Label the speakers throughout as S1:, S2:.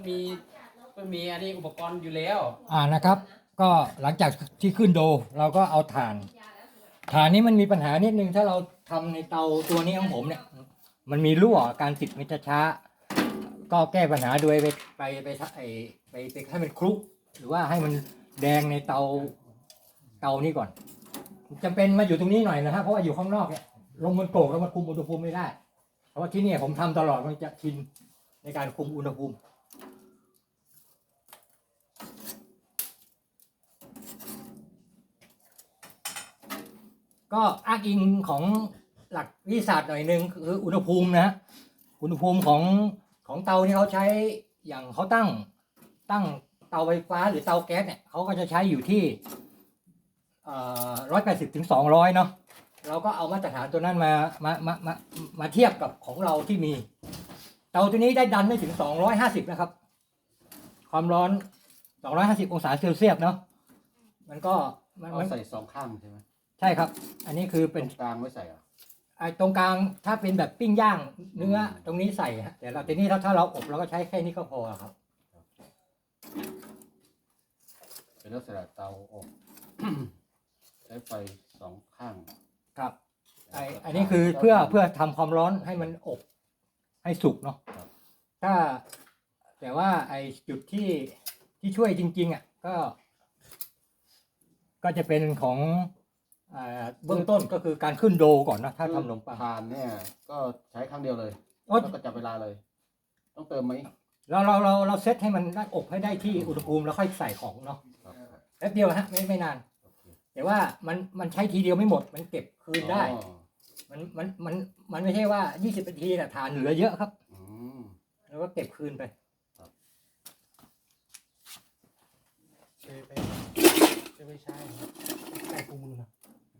S1: มันมีอันนี้อุปกรณ์อยู่แล้ว
S2: นะครับ ก็หลังจากที่ขึ้นโดเราก็เอาถ่านนี้มันมีปัญหานิดนึงถ้าเราทำในเตาตัวนี้ของผมเนี่ยมันมีรั่วการติดมันจะช้าก็แก้ปัญหาโดยไปให้มันคลุกหรือว่าให้มันแดงในเตานี้ก่อนจำเป็นมาอยู่ตรงนี้หน่อยนะฮะเพราะว่าอยู่ข้างนอกเนี่ยลงมันโกรกแล้วมันคุมอุณหภูมิไม่ได้เพราะว่าที่นี่ผมทำตลอดมันจะชินในการคุมอุณหภูมิก็อ้างอิงของหลักวิทยาศาสตร์หน่อยนึงคืออุณหภูมินะอุณหภูมิของเตาที่เขาใช้อย่างเขาตั้งเตาไฟฟ้าหรือเตาแก๊สเนี่ยเขาก็จะใช้อยู่ที่180 ถึง 200เนาะเราก็เอามาตรฐานตัวนั้นมาเทียบกับของเราที่มีเตาตัวนี้ได้ดันได้ถึง250นะครับความร้อน250 องศาเซลเซียสเนาะมันก็
S3: มันใส่สองข้างใช่ไหม
S2: ใช่ครับอันนี้คือเป็น
S3: กลางไม่ใส่เหรอ
S2: ตรงกลางถ้าเป็นแบบปิ้งย่างเนื้อตรงนี้ใส่ฮะแต่เราทีนี้ถ้าเราอบเราก็ใช้แค่นี้ก็พอครับ
S3: เป็นลักษณะเตาอบใช้ไฟสองข้าง
S2: ครับอันนี้คือเพื่อทำความร้อนให้มันอบให้สุกเนาะแต่ว่าไอจุดที่ช่วยจริงๆก็จะเป็นของเบื้องต้นก็คือการขึ้นโดก่อนนะถ้าทำขนมปัง
S3: ทานเนี่ยก็ใช้ครั้งเดียวเลยแล้วก็จับเวลาเลยต้องเติมไหม
S2: เราเซตให้มันได้อบให้ได้ที่อุณหภูมิแล้วค่อยใส่ของเนาะแป๊บเดียวฮะไม่นานแต่ว่ามันใช้ทีเดียวไม่หมดมันเก็บคืนได้มันไม่ใช่ว่า20 นาทีนะทานเหลือเยอะครับแล้วก็เก็บคืนไป
S1: เคยไปใช้คู่มือนะ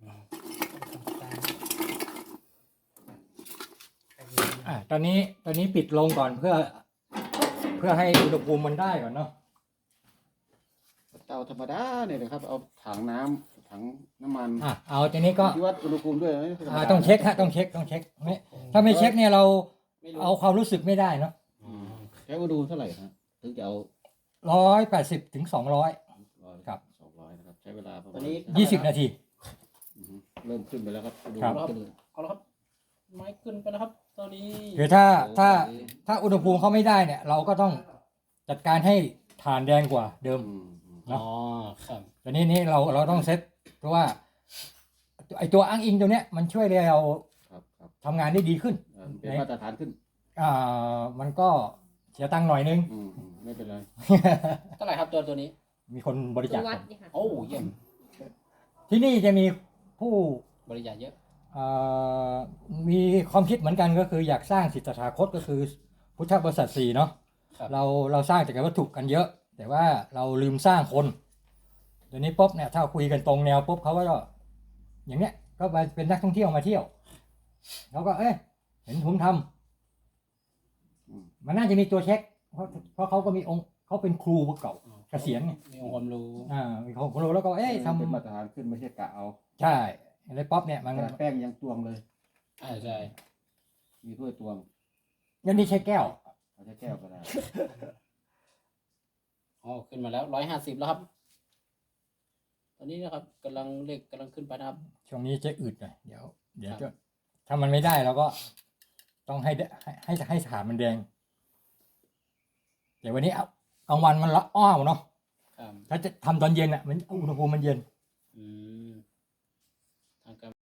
S2: ตอนนี้ปิดลงก่อนเพื่อให้อุณหภูมิมันได้ก่อนเนาะ
S3: เตาธรรมดาเนี่ยนะครับเอาถังน้ำมัน
S2: เอาทีนี้ก็
S3: ที่วัดอุณหภูมิด้วย
S2: ต้องเช็คฮะต้องเช็คถ้าไม่เช็คเนี่ยเราเอาความรู้สึกไม่ได้เนาะ
S3: ใช้อุณหภูมิเท่าไหร่ฮะถึงจะเอา
S2: 180 ถึง 200ครับ
S3: 200นะครับใช้เวลาประมาณ
S2: 20 นาที
S3: เริ่มขึ้นไปแล้วครับ
S1: ดูครับเอาละครับไม้ขึ้นไปแล้วครับตอนนี้
S2: คือถ้าอุณหภูมิเขาไม่ได้เนี่ยเราก็ต้องจัดการให้ถ่านแดงกว่าเดิม
S1: อ๋อครับ
S2: ตอนนี้เราต้องเซตเพราะว่าไอตัวอ้างอิงตัวเนี้ยมันช่วยเราทำงานได้ดีขึ้น
S3: เป็นมาตรฐานขึ้น
S2: มันก็เสียตังค์หน่อยนึง
S3: ไม่เป็นไร
S1: เท่าไหร่ครับตัวนี้
S2: มีคนบริจาค
S1: โอ้เยี่ยม
S2: ที่นี่จะมีผู้
S1: บริจาคเยอะ
S2: มีความคิดเหมือนกันก็คืออยากสร้างสิทธาคตก็คือพุทธบริษัท4เนาะเราสร้างจากวัตถุกันเยอะแต่ว่าเราลืมสร้างคนเดี๋ยวนี้ปุ๊บเนี่ยถ้าคุยกันตรงแนวปุ๊บเขาก็อย่างเนี้ยก็ไปเป็นนักท่องเที่ยวมาเที่ยวเขาก็เห็นผมทำมันน่าจะมีตัวเช็คเพราะเขาก็มีองค์เขาเป็นครูเก่าเกษียณไง
S1: มีองค์ความรู้
S2: มีความรู้แล้วก็ทำ
S3: เป็นมาตรฐานขึ้นไม่ใช่กะเอา
S2: ใช่ในป๊อปเนี่ยมัน
S3: แป้งยังตวงเลย
S1: ใช่
S3: มีถ้วยตวง
S2: ยันนี่ใช้แก้ว
S3: ใช้แก้วก็ได้
S1: ขึ้นมาแล้ว150แล้วครับตอนนี้นะครับกำลังขึ้นไปนะครับ
S2: ช่วงนี้จะอืดหน่อยเดี๋ยวจะถ้ามันไม่ได้เราก็ต้องให้ฐานมันแดงแต่วันนี้กลางวันมันละอ้าวเนาะถ้าจะทำตอนเย็นมันอุณหภูมิมันเย็น